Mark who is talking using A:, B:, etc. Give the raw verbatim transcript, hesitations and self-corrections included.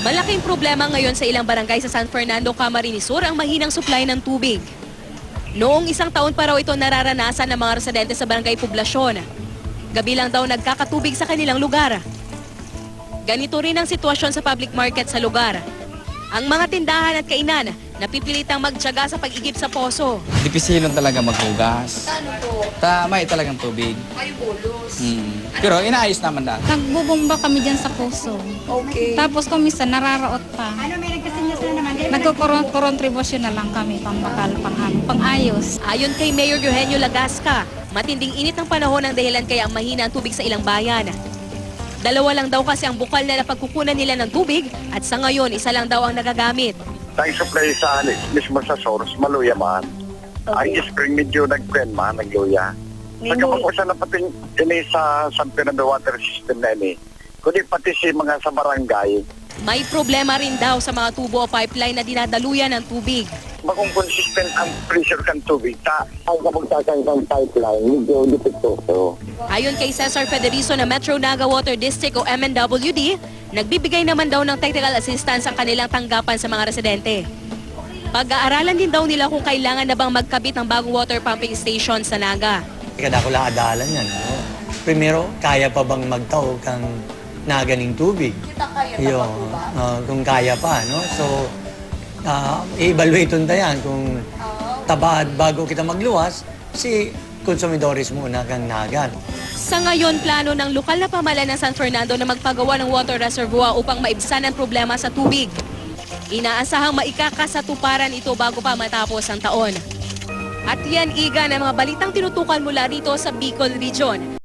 A: Malaking problema ngayon sa ilang barangay sa San Fernando, Camarines Sur ang mahinang supply ng tubig. Noong isang taon pa raw ito nararanasan ng mga residente sa barangay Poblasyon. Gabi lang daw nagkakatubig sa kanilang lugar. Ganito rin ang sitwasyon sa public market sa lugar. Ang mga tindahan at kainan napipilitang magtiyaga sa pag-igib sa poso.
B: Dipisilon talaga maghugas.
C: Ano po?
B: Ta may talagang tubig.
C: Ay, bolos.
B: Hmm. Pero inaayos naman dahil.
D: Nagbubomba kami dyan sa puso.
C: Okay.
D: Tapos kung minsan nararaot pa.
E: Ano, may nagkasinyas na naman.
D: Nagkukontribusyon na lang kami pambakal, pang, pang-ayos.
A: Ayon kay Mayor Eugenio Lagasca, matinding init ng panahon ang dahilan kaya ang mahina ang tubig sa ilang bayan. Dalawa lang daw kasi ang bukal na napagkukunan nila ng tubig at sa ngayon isa lang daw ang nagagamit.
F: Tayo supply sa mismo sa source, maluya man.
C: Okay.
F: Ang spring medyo nag-pen man, nagluya. Sa kapag usa na pati ini sa San Fernando Water System na ini, kundi pati si mga sa barangay,
A: May problema rin daw sa mga tubo o pipeline na dinadaluyan ng tubig.
F: magkong consistent ang pressure kan tubig, ta ang kapag tasang kang pipeline, medyo dipektoso.
A: Ayon kay Cesar Federizo na Metro Naga Water District o M N W D, nagbibigay naman daw ng technical assistance ang kanilang tanggapan sa mga residente. Pag-aaralan din daw nila kung kailangan na bang magkabit ng bagong water pumping station sa Naga.
G: Kada ko lang adalan yan. No? Primero, kaya pa bang magtaw kang naganing tubig?
C: Kita kayo,
G: Yo,
C: tama po ba?
G: uh, kung kaya pa, no? So, uh, i-evaluate nun tayan kung tabad bago kita magluwas, si konsumidores muna kang nagan.
A: Sa ngayon, plano ng lokal na pamahalaan ng San Fernando na magpagawa ng water reservoir upang maibsan ang problema sa tubig. Inaasahang maikakasatuparan ito bago pa matapos ang taon. At yan, Iga, ng mga balitang tinutukan mula rito sa Bicol Region.